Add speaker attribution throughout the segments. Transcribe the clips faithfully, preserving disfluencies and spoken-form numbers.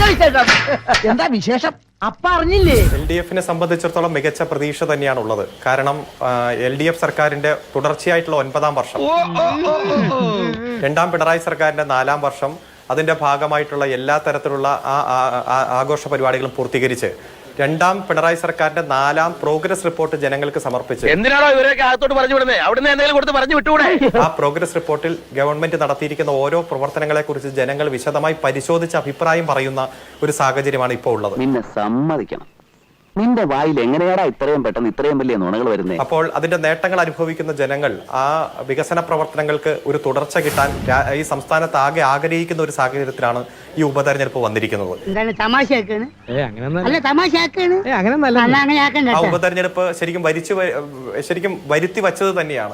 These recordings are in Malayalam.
Speaker 1: എന്താ വിശേഷം? അപ്പ അറിഞ്ഞില്ലേ?
Speaker 2: എൽ ഡി എഫിനെ സംബന്ധിച്ചിടത്തോളം മികച്ച പ്രതീക്ഷ തന്നെയാണുള്ളത്. കാരണം എൽ ഡി എഫ് സർക്കാരിന്റെ തുടർച്ചയായിട്ടുള്ള ഒൻപതാം വർഷം, രണ്ടാം പിണറായി സർക്കാരിന്റെ നാലാം വർഷം, അതിന്റെ ഭാഗമായിട്ടുള്ള എല്ലാ തരത്തിലുള്ള ആ ആഘോഷ പരിപാടികളും പൂർത്തീകരിച്ച് രണ്ടാം പിണറായി സർക്കാരിന്റെ നാലാം പ്രോഗ്രസ് റിപ്പോർട്ട് ജനങ്ങൾക്ക് സമർപ്പിച്ച് ആ പ്രോഗ്രസ് റിപ്പോർട്ടിൽ ഗവൺമെന്റ് നടത്തിയിരിക്കുന്ന ഓരോ പ്രവർത്തനങ്ങളെ കുറിച്ച് ജനങ്ങൾ വിശദമായി പരിശോധിച്ച് അഭിപ്രായം പറയുന്ന ഒരു സാഹചര്യമാണ് ഇപ്പോൾ ഉള്ളത്.
Speaker 3: നിന്നെ സമ്മതിക്കണം, നിന്റെ വായിൽ എങ്ങനെയാടാ ഇത്രയും പെട്ടെന്ന് ഇത്രയും വലിയ നുണകൾ വരുന്നത്?
Speaker 2: അപ്പോൾ അതിന്റെ നേട്ടങ്ങൾ അനുഭവിക്കുന്ന ജനങ്ങൾ ആ വികസന പ്രവർത്തനങ്ങൾക്ക് ഒരു തുടർച്ച കിട്ടാൻ ഈ സംസ്ഥാനത്ത് ആകെ ആഗ്രഹിക്കുന്ന ഒരു സാഹചര്യത്തിലാണ് ഈ ഉപതെരഞ്ഞെടുപ്പ് വന്നിരിക്കുന്നത്. ആ ഉപതെരഞ്ഞെടുപ്പ് ശരിക്കും വരിച്ചു ശരിക്കും വരുത്തി വച്ചത് തന്നെയാണ്.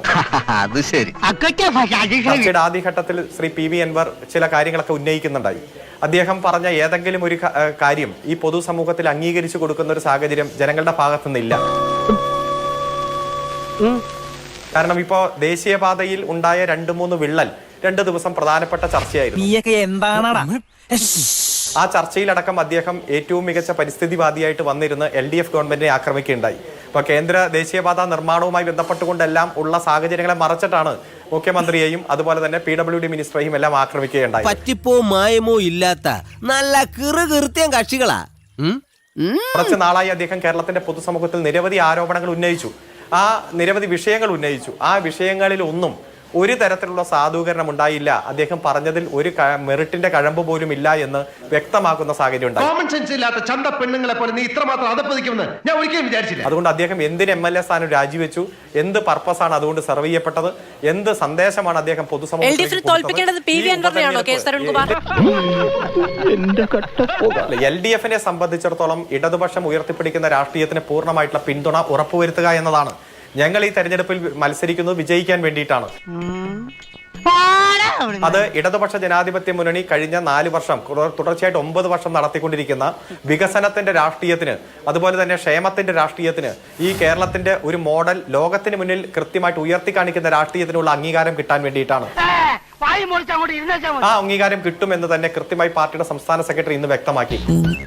Speaker 2: ചർച്ചയുടെ ആദ്യഘട്ടത്തിൽ ശ്രീ പി വി അൻവർ ചില കാര്യങ്ങളൊക്കെ ഉന്നയിക്കുന്നുണ്ടായി. അദ്ദേഹം പറഞ്ഞ ഏതെങ്കിലും ഒരു കാര്യം ഈ പൊതുസമൂഹത്തിൽ അംഗീകരിച്ചു കൊടുക്കുന്ന ഒരു സാഹചര്യം ജനങ്ങളുടെ ഭാഗത്തു നിന്നില്ല. കാരണം ഇപ്പോ ദേശീയപാതയിൽ ഉണ്ടായ രണ്ടു മൂന്ന് വിള്ളൽ രണ്ടു ദിവസം പ്രധാനപ്പെട്ട ചർച്ചയായിരുന്നു. ആ ചർച്ചയിലടക്കം അദ്ദേഹം ഏറ്റവും മികച്ച പരിസ്ഥിതിവാദിയായിട്ട് വന്നിരുന്ന് എൽ ഡി എഫ് ഗവൺമെന്റിനെ ആക്രമിക്കുകയുണ്ടായി. അപ്പൊ കേന്ദ്ര ദേശീയപാത നിർമ്മാണവുമായി ബന്ധപ്പെട്ടുകൊണ്ടെല്ലാം ഉള്ള സാഹചര്യങ്ങളെ മറച്ചിട്ടാണ് മുഖ്യമന്ത്രിയെയും അതുപോലെ തന്നെ പി ഡബ്ല്യു ഡി മിനിസ്റ്ററെയും എല്ലാം ആക്രമിക്കുകയുണ്ടായി.
Speaker 4: പറ്റിപ്പോ മായമോ ഇല്ലാത്ത നല്ല കിറുകീർത്തിയം കക്ഷികളാ.
Speaker 2: കുറച്ച് നാളായി അദ്ദേഹം കേരളത്തിന്റെ പൊതുസമൂഹത്തിൽ നിരവധി ആരോപണങ്ങൾ ഉന്നയിച്ചു, ആ നിരവധി വിഷയങ്ങൾ ഉന്നയിച്ചു. ആ വിഷയങ്ങളിൽ ഒന്നും ഒരു തരത്തിലുള്ള സാധൂകരണം ഉണ്ടായില്ല. അദ്ദേഹം പറഞ്ഞതിൽ ഒരു മെറിറ്റിന്റെ കഴമ്പ് പോലും ഇല്ല എന്ന് വ്യക്തമാക്കുന്ന സാഹചര്യം ഉണ്ടായി. അതുകൊണ്ട് അദ്ദേഹം എന്തിന് എം എൽ എ സ്ഥാനം രാജിവെച്ചു, എന്ത് പർപ്പസാണ് അതുകൊണ്ട് സെർവ് ചെയ്യപ്പെട്ടത്, എന്ത് സന്ദേശമാണ് അദ്ദേഹം പൊതുസമൂഹത്തിൽ എൽ ഡി എഫിനെ സംബന്ധിച്ചിടത്തോളം ഇടതുപക്ഷം ഉയർത്തിപ്പിടിക്കുന്ന രാഷ്ട്രീയത്തിന് പൂർണ്ണമായിട്ടുള്ള പിന്തുണ ഉറപ്പുവരുത്തുക എന്നതാണ്. ഞങ്ങൾ ഈ തെരഞ്ഞെടുപ്പിൽ മത്സരിക്കുന്നത് വിജയിക്കാൻ വേണ്ടിയിട്ടാണ്. അത് ഇടതുപക്ഷ ജനാധിപത്യ മുന്നണി കഴിഞ്ഞ നാല് വർഷം തുടർച്ചയായിട്ട് ഒമ്പത് വർഷം നടത്തിക്കൊണ്ടിരിക്കുന്ന വികസനത്തിന്റെ രാഷ്ട്രീയത്തിന്, അതുപോലെ തന്നെ ക്ഷേമത്തിന്റെ രാഷ്ട്രീയത്തിന്, ഈ കേരളത്തിന്റെ ഒരു മോഡൽ ലോകത്തിന് മുന്നിൽ കൃത്യമായിട്ട് ഉയർത്തി കാണിക്കുന്ന രാഷ്ട്രീയത്തിനുള്ള അംഗീകാരം കിട്ടാൻ വേണ്ടിയിട്ടാണ്. ആ അംഗീകാരം കിട്ടുമെന്ന് തന്നെ കൃത്യമായി പാർട്ടിയുടെ സംസ്ഥാന സെക്രട്ടറി ഇന്ന് വ്യക്തമാക്കി.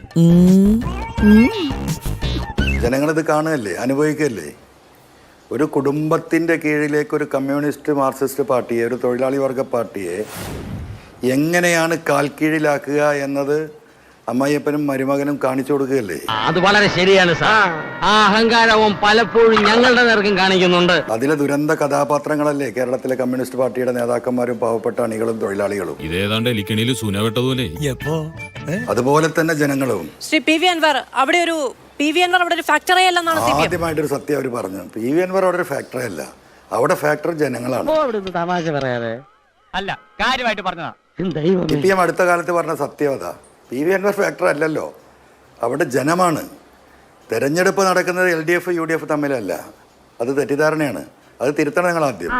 Speaker 5: ജനങ്ങളിത് കാണുകയല്ലേ, അനുഭവിക്കുകയല്ലേ. ഒരു കുടുംബത്തിൻ്റെ കീഴിലേക്ക് ഒരു കമ്മ്യൂണിസ്റ്റ് മാർക്സിസ്റ്റ് പാർട്ടിയെ, ഒരു തൊഴിലാളി വർഗ പാർട്ടിയെ എങ്ങനെയാണ് കാൽക്കീഴിലാക്കുക എന്നത് അമ്മായിയപ്പനും മരുമകനും കാണിച്ചു കൊടുക്കുകയല്ലേ.
Speaker 1: അത് വളരെ ശരിയാണ് സാർ. ആ അഹങ്കാരവും പലപ്പോഴും ഞങ്ങളുടെ നേർക്കും കാണിക്കുന്നുണ്ട്.
Speaker 5: അതിലെ ദുരന്ത കഥാപാത്രങ്ങളല്ലേ കേരളത്തിലെ കമ്മ്യൂണിസ്റ്റ് പാർട്ടിയുടെ നേതാക്കന്മാരും പാവപ്പെട്ട അണികളും തൊഴിലാളികളും.
Speaker 6: ഇതേതാണ്ട് എലിക്കണിയിൽ സൂനവെട്ടതുപോലെ.
Speaker 5: അതുപോലെ തന്നെ ജനങ്ങളും.
Speaker 7: ശ്രീ പി വി അൻവർ, അവിടെ ഒരു പി വി അൻവർ അവിടെ ഒരു ഫാക്ടറി അല്ലെന്നാണ്
Speaker 5: ആദ്യമായിട്ടൊരു സത്യം അവർ പറഞ്ഞു. പി വി അൻവർ അവിടെ ഒരു ഫാക്ടറി അല്ല, അവിടെ ഫാക്ടറി ജനങ്ങളാണ്.
Speaker 1: തമാശ പറയാതെ അല്ല, കാര്യമായിട്ട് പറഞ്ഞതാ.
Speaker 5: സി പി എം അടുത്ത കാലത്ത് പറഞ്ഞ സത്യവത, പി വി അൻവർ ഫാക്ടറി അല്ലല്ലോ, അവിടെ ജനമാണ്. തെരഞ്ഞെടുപ്പ് നടക്കുന്നത് L D F U D F തമ്മിലല്ല, അത് തെറ്റിദ്ധാരണയാണ്. അത് തിരുത്തണം നിങ്ങൾ ആദ്യം.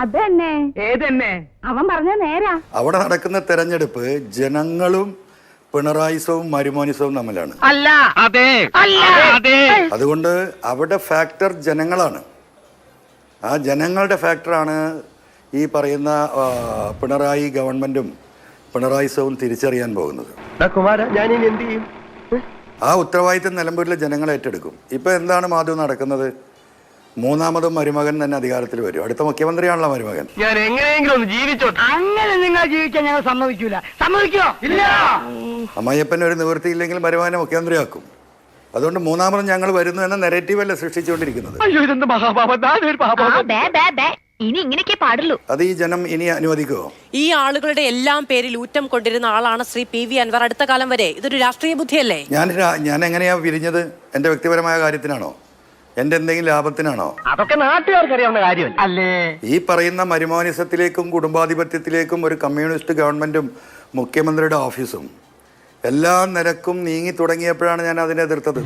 Speaker 5: അവിടെ നടക്കുന്ന തെരഞ്ഞെടുപ്പ് ജനങ്ങളും പിണറായിസവും മരുമോനിസവും തമ്മിലാണ്. അതുകൊണ്ട് അവിടെ ഫാക്ടർ ജനങ്ങളാണ്. ആ ജനങ്ങളുടെ ഫാക്ടറാണ് ഈ പറയുന്ന പിണറായി ഗവൺമെന്റും പിണറായിസവും തിരിച്ചറിയാൻ പോകുന്നത്. ആ ഉത്തരവാദിത്തം നിലമ്പൂരിലെ ജനങ്ങൾ ഏറ്റെടുക്കും. ഇപ്പൊ എന്താണ് മാധവ് നടക്കുന്നത്? മൂന്നാമതും മരുമകൻ തന്നെ അധികാരത്തിൽ വരും. അടുത്ത മുഖ്യമന്ത്രിയാണല്ലോ മരുമകൻ.
Speaker 1: ഞാൻ എങ്ങനെയെങ്കിലും ഒന്ന് ജീവിച്ചോ. അങ്ങനെ നിങ്ങൾ ജീവിക്കാൻ ഞങ്ങൾ സമ്മതിക്കൂല. സമ്മതിക്കോ? ഇല്ല.
Speaker 5: അമ്മായിയപ്പൻ ഒരു നിവൃത്തിയില്ലെങ്കിൽ മരുമകനെ മുഖ്യമന്ത്രിയാക്കും. അതുകൊണ്ട് മൂന്നാമതും ഞങ്ങൾ വരുന്നു എന്ന നെറേറ്റീവ് അല്ല സൃഷ്ടിച്ചുകൊണ്ടിരിക്കുന്നത്. അത് ഈ ജനം ഇനി അനുവദിക്കുമോ?
Speaker 7: ഈ ആളുകളുടെ എല്ലാം പേരിൽ ഊറ്റം കൊണ്ടിരുന്ന ആളാണ് ശ്രീ പി വി അൻവർ. അടുത്ത കാലം വരെ ഇതൊരു രാഷ്ട്രീയ ബുദ്ധിയല്ലേ?
Speaker 5: ഞാൻ ഞാൻ എങ്ങനെയാ പിരിഞ്ഞത്? എന്റെ വ്യക്തിപരമായ കാര്യത്തിനാണോ, എന്റെ എന്തെങ്കിലും ലാഭത്തിനാണോ?
Speaker 1: അതൊക്കെ നാട്ടുകാർക്ക് അറിയാവുന്ന കാര്യമല്ല അല്ലേ.
Speaker 5: ഈ പറയുന്ന മരുമോനിസത്തിലേക്കും കുടുംബാധിപത്യത്തിലേക്കും ഒരു കമ്മ്യൂണിസ്റ്റ് ഗവൺമെന്റും മുഖ്യമന്ത്രിയുടെ ഓഫീസും എല്ലാ നിരക്കും നീങ്ങി തുടങ്ങിയപ്പോഴാണ് ഞാൻ അതിനെ എതിർത്തത്.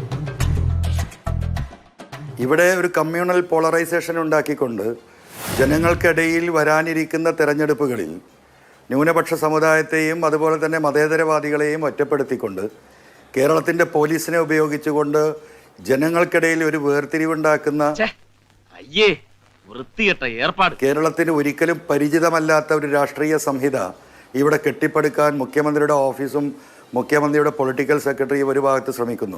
Speaker 5: ഇവിടെ ഒരു കമ്മ്യൂണൽ പോളറൈസേഷൻ ഉണ്ടാക്കിക്കൊണ്ട് ജനങ്ങൾക്കിടയിൽ വരാനിരിക്കുന്ന തെരഞ്ഞെടുപ്പുകളിൽ ന്യൂനപക്ഷ സമുദായത്തെയും അതുപോലെ തന്നെ മതേതരവാദികളെയും ഒറ്റപ്പെടുത്തിക്കൊണ്ട് കേരളത്തിൻ്റെ പോലീസിനെ ഉപയോഗിച്ചുകൊണ്ട് ജനങ്ങൾക്കിടയിൽ ഒരു വേർതിരിവുണ്ടാക്കുന്ന കേരളത്തിന് ഒരിക്കലും പരിചിതമല്ലാത്ത ഒരു രാഷ്ട്രീയ സംഹിത ഇവിടെ കെട്ടിപ്പടുക്കാൻ മുഖ്യമന്ത്രിയുടെ ഓഫീസും മുഖ്യമന്ത്രിയുടെ പൊളിറ്റിക്കൽ സെക്രട്ടറി ഒരു ഭാഗത്ത് ശ്രമിക്കുന്നു.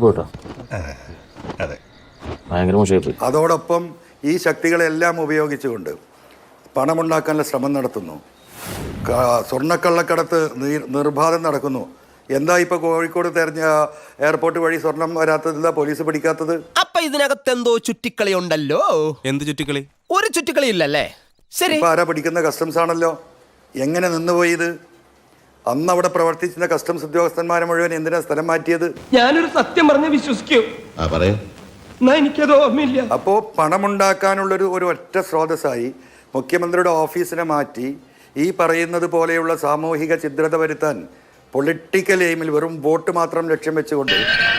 Speaker 5: അതോടൊപ്പം ഈ ശക്തികളെല്ലാം ഉപയോഗിച്ചുകൊണ്ട് പണമുണ്ടാക്കാനുള്ള ശ്രമം നടത്തുന്നു. സ്വർണ്ണക്കള്ളക്കടത്ത് നിർബാധം നടക്കുന്നു. എന്താ ഇപ്പൊ കോഴിക്കോട് തെരഞ്ഞ എയർപോർട്ട് വഴി സ്വർണം വരാത്തത്? എന്താ പോലീസ് പിടിക്കാത്തത്?
Speaker 4: അപ്പൊ ഇതിനകത്ത് എന്തോ ചുറ്റിക്കളി ഉണ്ടല്ലോ.
Speaker 6: എന്ത് ചുറ്റിക്കളി?
Speaker 4: ഒരു ചുറ്റിക്കളി ഇല്ലല്ലേ? ശരി,
Speaker 5: ഇപ്പൊ ആരാ പിടിക്കുന്ന? കസ്റ്റംസ് ആണല്ലോ. എങ്ങനെ നിന്നുപോയത്? അന്ന് അവിടെ പ്രവർത്തിച്ചിരുന്ന കസ്റ്റംസ് ഉദ്യോഗസ്ഥന്മാരെ മുഴുവൻ എന്തിനാ സ്ഥലം മാറ്റിയത്?
Speaker 8: ഞാനൊരു സത്യം പറഞ്ഞ് വിശ്വസിക്കൂ, എനിക്കത് ഓർമ്മയില്ല.
Speaker 5: അപ്പോ പണമുണ്ടാക്കാനുള്ളൊരു ഒരു ഒറ്റ സ്രോതസ്സായി മുഖ്യമന്ത്രിയുടെ ഓഫീസിനെ മാറ്റി ഈ പറയുന്നത് പോലെയുള്ള സാമൂഹിക ഛിദ്രത വരുത്താൻ പൊളിറ്റിക്കൽ എയിമിൽ വെറും വോട്ട് മാത്രം ലക്ഷ്യം വെച്ചുകൊണ്ട്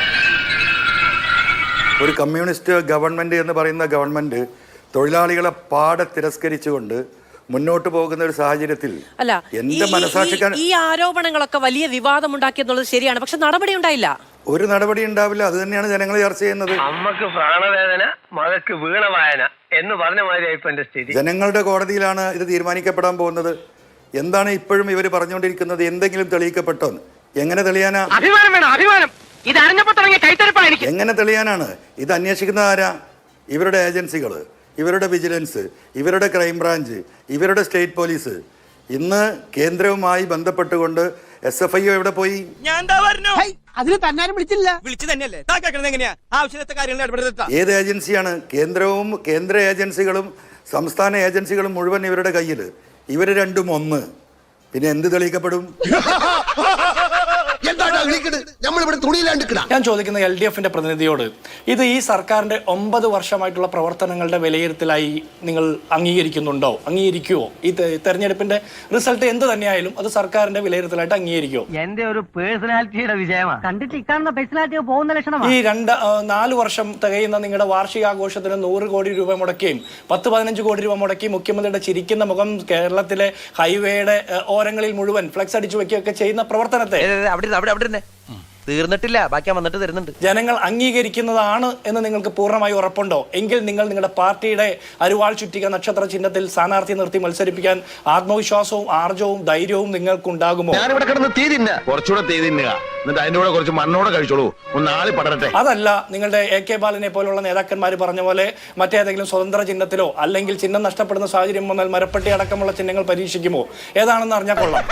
Speaker 5: ഒരു കമ്മ്യൂണിസ്റ്റ് ഗവൺമെന്റ് എന്ന് പറയുന്ന ഗവൺമെന്റ് തൊഴിലാളികളെ പാടെ തിരസ്കരിച്ചുകൊണ്ട് മുന്നോട്ട് പോകുന്ന ഒരു സാഹചര്യത്തിൽ
Speaker 7: അല്ല,
Speaker 5: എന്റെ മനസാക്ഷിക്കാൻ
Speaker 7: ഈ ആരോപണങ്ങളൊക്കെ വലിയ വിവാദം ഉണ്ടാക്കിയെന്നുള്ളത് ശരിയാണ്. പക്ഷെ നടപടി ഉണ്ടായില്ല.
Speaker 5: ഒരു നടപടി ഉണ്ടാവില്ല. അത് തന്നെയാണ് ജനങ്ങൾ ചർച്ച ചെയ്യുന്നത്.
Speaker 1: അമ്മക്ക് പ്രാണവേദന, മകക്ക് വീണവായന എന്ന് പറഞ്ഞ മാതിരിയായി ഇപ്പൊ എന്റെ സ്ഥിതി.
Speaker 5: ജനങ്ങളുടെ കോടതിയിലാണ് ഇത് തീരുമാനിക്കപ്പെടാൻ പോകുന്നത്. എന്താണ് ഇപ്പോഴും ഇവർ പറഞ്ഞുകൊണ്ടിരിക്കുന്നത്? എന്തെങ്കിലും തെളിയിക്കപ്പെട്ടോ? എങ്ങനെ തെളിയാനാ?
Speaker 1: അഭിമാനം വേണം, അഭിമാനം. ഇത് അറിഞ്ഞപ്പോ തുടങ്ങിയ കൈത്തരപ്പായിരിക്കും.
Speaker 5: എങ്ങനെ തെളിയാനാണ്? ഇത് അന്വേഷിക്കുന്ന ആരാ? ഇവരുടെ ഏജൻസികൾ, ഇവരുടെ വിജിലൻസ്, ഇവരുടെ ക്രൈംബ്രാഞ്ച്, ഇവരുടെ സ്റ്റേറ്റ് പോലീസ്. ഇന്ന് കേന്ദ്രവുമായി ബന്ധപ്പെട്ടുകൊണ്ട് എസ് എഫ് ഐ ഒ എവിടെ പോയി?
Speaker 4: അതിന് തന്നാരും വിളിച്ചില്ല. വിളിച്ചു തന്നെയല്ലേ?
Speaker 5: ഏത് ഏജൻസിയാണ്? കേന്ദ്രവും കേന്ദ്ര ഏജൻസികളും സംസ്ഥാന ഏജൻസികളും മുഴുവൻ ഇവരുടെ കയ്യിൽ. ഇവര് രണ്ടും ഒന്ന്. പിന്നെ എന്ത് തെളിയിക്കപ്പെടും?
Speaker 8: ഞാൻ ചോദിക്കുന്ന എൽ ഡി എഫിന്റെ പ്രതിനിധിയോട്, ഇത് ഈ സർക്കാരിന്റെ ഒമ്പത് വർഷമായിട്ടുള്ള പ്രവർത്തനങ്ങളുടെ വിലയിരുത്തലായി നിങ്ങൾ അംഗീകരിക്കുന്നുണ്ടോ? അംഗീകരിക്കുവോ? ഈ തെരഞ്ഞെടുപ്പിന്റെ റിസൾട്ട് എന്ത് തന്നെയായാലും അത് സർക്കാരിന്റെ വിലയിരുത്തലായിട്ട് അംഗീകരിക്കുവോ?
Speaker 1: എന്റെ ഒരു പേഴ്സണാലിറ്റിയുടെ വിജയമാണ്. കണ്ടിട്ട് ഇക്കാണുന്ന പേഴ്സണാലിറ്റി പോകുന്ന ലക്ഷണമാണ്.
Speaker 8: ഈ രണ്ട് നാല് വർഷം തികയുന്ന നിങ്ങളുടെ വാർഷികാഘോഷത്തിന് നൂറ് കോടി രൂപ മുടക്കുകയും പത്ത് പതിനഞ്ച് കോടി രൂപ മുടക്കി മുഖ്യമന്ത്രിയുടെ ചിരിക്കുന്ന മുഖം കേരളത്തിലെ ഹൈവേയുടെ ഓരങ്ങളിൽ മുഴുവൻ ഫ്ലെക്സ് അടിച്ചു വെക്കുകയൊക്കെ ചെയ്യുന്ന പ്രവർത്തനത്തെ
Speaker 4: തീർന്നിട്ടില്ല, ബാക്കി വന്നിട്ട് തരുന്നുണ്ട്.
Speaker 8: ജനങ്ങൾ അംഗീകരിക്കുന്നതാണ് എന്ന് നിങ്ങൾക്ക് പൂർണ്ണമായി ഉറപ്പുണ്ടോ? എങ്കിൽ നിങ്ങൾ നിങ്ങളുടെ പാർട്ടിയുടെ അരുവാൾ ചുറ്റിക നക്ഷത്ര ചിഹ്നത്തിൽ സ്ഥാനാർത്ഥി നിർത്തി മത്സരിപ്പിക്കാൻ ആത്മവിശ്വാസവും ആർജവും ധൈര്യവും നിങ്ങൾക്കുണ്ടാകുമോ?
Speaker 3: ഞാനിവിടെ കിടന്ന് തീ തിന്ന കുറച്ചുകൂടെ തീ തിന്നുക, എന്നിട്ട് അതിന്റെ കൂടെ കുറച്ച് മണ്ണോടെ കഴിച്ചോളൂ, ഒന്ന് ആളി പടരട്ടെ.
Speaker 8: അതല്ല, നിങ്ങളുടെ എ കെ ബാലനെ പോലുള്ള നേതാക്കന്മാർ പറഞ്ഞ പോലെ മറ്റേതെങ്കിലും സ്വതന്ത്ര ചിഹ്നത്തിലോ അല്ലെങ്കിൽ ചിഹ്നം നഷ്ടപ്പെടുന്ന സാഹചര്യം വന്നാൽ മരപ്പെട്ടി അടക്കമുള്ള ചിഹ്നങ്ങൾ പരീക്ഷിക്കുമോ? ഏതാണെന്ന് അറിഞ്ഞാൽ കൊള്ളാം.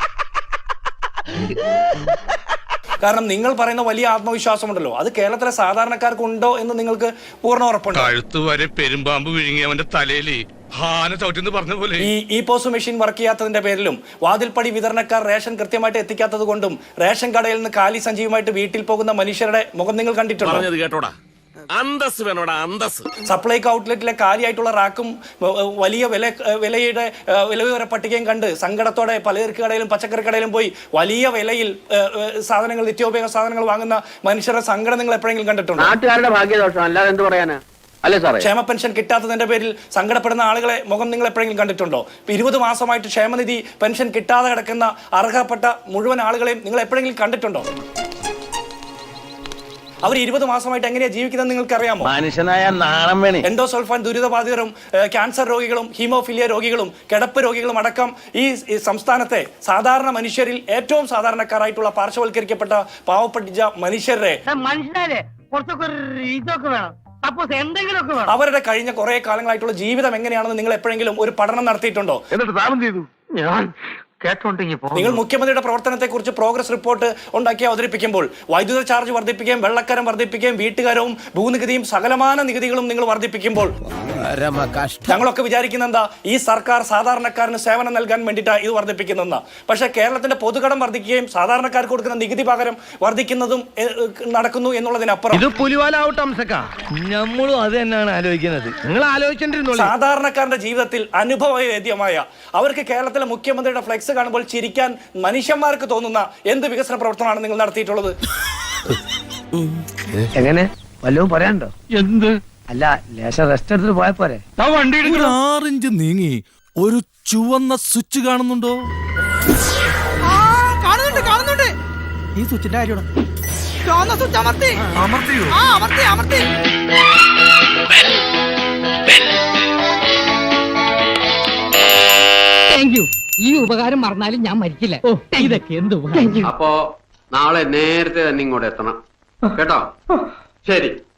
Speaker 8: കാരണം നിങ്ങൾ പറയുന്ന വലിയ ആത്മവിശ്വാസമുണ്ടല്ലോ, അത് കേരളത്തിലെ സാധാരണക്കാർക്ക് ഉണ്ടോ എന്ന് നിങ്ങൾക്ക് പൂർണ്ണ ഉറപ്പുണ്ട്.
Speaker 6: കഴുത്ത് വരെ പെരുമ്പാമ്പ് വിഴുങ്ങി അവന്റെ തലയില് ഹാന ചവിട്ടിന്ന് പറഞ്ഞ പോലെ
Speaker 8: ഈ ഇ പോസ് മെഷീൻ വർക്ക് ചെയ്യാത്തതിന്റെ പേരിലും വാതിൽപ്പടി വിതരണക്കാർ റേഷൻ കൃത്യമായിട്ട് എത്തിക്കാത്തത് കൊണ്ടും റേഷൻ കടയിൽ നിന്ന് കാലി സഞ്ചിയുമായിട്ട് വീട്ടിൽ പോകുന്ന മനുഷ്യരുടെ മുഖം നിങ്ങൾ കണ്ടിട്ടുണ്ടോ?
Speaker 6: കേട്ടോടാ, അന്തസ് വേണോടാ, അന്തസ്.
Speaker 8: സപ്ലൈകോ ഔട്ട്ലെറ്റിലെ കാലിയായിട്ടുള്ള റാക്കും വലിയ വില വിലയുടെ വിലവിവര പട്ടികയും കണ്ട് സങ്കടത്തോടെ പലചരക്ക് കടയിലും പച്ചക്കറി കടയിലും പോയി വലിയ വിലയിൽ സാധനങ്ങൾ, നിത്യോപയോഗ സാധനങ്ങൾ വാങ്ങുന്ന മനുഷ്യരുടെ സങ്കടം നിങ്ങൾ എപ്പോഴെങ്കിലും കണ്ടിട്ടുണ്ടോ?
Speaker 1: നാട്ടുകാരുടെ ഭാഗ്യദോഷം, അല്ലാതെ എന്ത് പറയാനാ? അല്ലേ സാറേ?
Speaker 8: ക്ഷേമ പെൻഷൻ കിട്ടാത്തതിന്റെ പേരിൽ സങ്കടപ്പെടുന്ന ആളുകളെ മുഖം നിങ്ങൾ എപ്പോഴെങ്കിലും കണ്ടിട്ടുണ്ടോ? ഇരുപത് മാസമായിട്ട് ക്ഷേമനിധി പെൻഷൻ കിട്ടാതെ കിടക്കുന്ന അർഹപ്പെട്ട മുഴുവൻ ആളുകളെയും നിങ്ങൾ എപ്പോഴെങ്കിലും കണ്ടിട്ടുണ്ടോ? അവർ ഇരുപത് മാസമായിട്ട് എങ്ങനെയാ ജീവിക്കുന്നത് നിങ്ങൾക്ക് അറിയാമോ?
Speaker 3: മനുഷ്യനായ നാണം വേണേ.
Speaker 8: എൻഡോസൾഫാൻ ദുരിതബാധിതരും ക്യാൻസർ രോഗികളും ഹീമോഫിലിയ രോഗികളും കിടപ്പ് രോഗികളും അടക്കം ഈ സംസ്ഥാനത്തെ സാധാരണ മനുഷ്യരിൽ ഏറ്റവും സാധാരണക്കാരായിട്ടുള്ള പാർശ്വവൽക്കരിക്കപ്പെട്ട പാവപ്പെട്ട മനുഷ്യരെ
Speaker 1: മനുഷ്യരെ കുറച്ചൊക്കെ ഇതൊക്കെ വേണം, സപ്പോസ് എന്തെങ്കിലുമൊക്കെ വേണം.
Speaker 8: അവരുടെ കഴിഞ്ഞ കുറെ കാലങ്ങളായിട്ടുള്ള ജീവിതം എങ്ങനെയാണെന്ന് നിങ്ങൾ എപ്പോഴെങ്കിലും ഒരു പഠനം നടത്തിയിട്ടുണ്ടോ?
Speaker 3: എന്നിട്ട് താമം ചെയ്തു.
Speaker 1: ഞാൻ കേട്ടോണ്ടെങ്കിൽ
Speaker 8: നിങ്ങൾ മുഖ്യമന്ത്രിയുടെ പ്രവർത്തനത്തെ കുറിച്ച് പ്രോഗ്രസ് റിപ്പോർട്ട് ഉണ്ടാക്കി അവതരിപ്പിക്കുമ്പോൾ വൈദ്യുത ചാർജ് വർദ്ധിപ്പിക്കുകയും വെള്ളക്കരം വർദ്ധിപ്പിക്കുകയും വീട്ടുകാരവും ഭൂനികുതിയും സകലമാന നികുതികളും നിങ്ങൾ വർദ്ധിപ്പിക്കുമ്പോൾ ഞങ്ങളൊക്കെ വിചാരിക്കുന്ന എന്താ, ഈ സർക്കാർ സാധാരണക്കാരന് സേവനം നൽകാൻ വേണ്ടിയിട്ടാണ് ഇത് വർദ്ധിപ്പിക്കുന്നതെന്ന്. പക്ഷെ കേരളത്തിന്റെ പൊതുകടം വർദ്ധിക്കുകയും സാധാരണക്കാർക്ക് കൊടുക്കുന്ന നികുതി പകരം വർദ്ധിക്കുന്നതും നടക്കുന്നു എന്നുള്ളതിനപ്പുറം
Speaker 1: ഇത് പുലിവാലാവട്ടെ അംസക്ക, നമ്മളും അത് തന്നെയാണ് ആലോചിക്കുന്നത്. നിങ്ങൾ ആലോചിച്ചിട്ടുണ്ടോ?
Speaker 8: സാധാരണക്കാരന്റെ ജീവിതത്തിൽ അനുഭവവേദ്യമായ അവർക്ക് കേരളത്തിലെ മുഖ്യമന്ത്രിയുടെ ഫ്ലെക്സ് കാണുമ്പോൾ ചിരിക്കാൻ മനുഷ്യന്മാർക്ക് തോന്നുന്ന എന്ത് വികസന പ്രവർത്തനമാണ് നിങ്ങൾ നടത്തിയിട്ടുള്ളത്?
Speaker 1: എങ്ങനെ വല്ലതും പറയാനുണ്ടോ? എന്ത്? അല്ല, ലേശം റെസ്റ്റ് എടുത്തിട്ട് പോയ പോരെ?
Speaker 6: ഒരു ആറിഞ്ച് നീങ്ങി ഒരു ചുവന്ന സ്വിച്ച് കാണുന്നുണ്ടോ?
Speaker 4: കാണുന്നുണ്ട് കാണുന്നുണ്ട്.
Speaker 8: ഈ സ്വിച്ചിന്റെ കാര്യമാണ്.
Speaker 4: ചുവന്ന സ്വിച്ച് അമർത്തി അമർത്തിയോ? ആ അമർത്തി അമർത്തി.
Speaker 1: Thank you. ഈ ഉപകാരം മറന്നാലും ഞാൻ മരിക്കില്ല. ഓ, ഇതൊക്കെ എന്ത്?
Speaker 9: അപ്പോ
Speaker 1: നാളെ നേരത്തെ തന്നെ ഇങ്ങോട്ട് എത്തണം കേട്ടോ ശരി.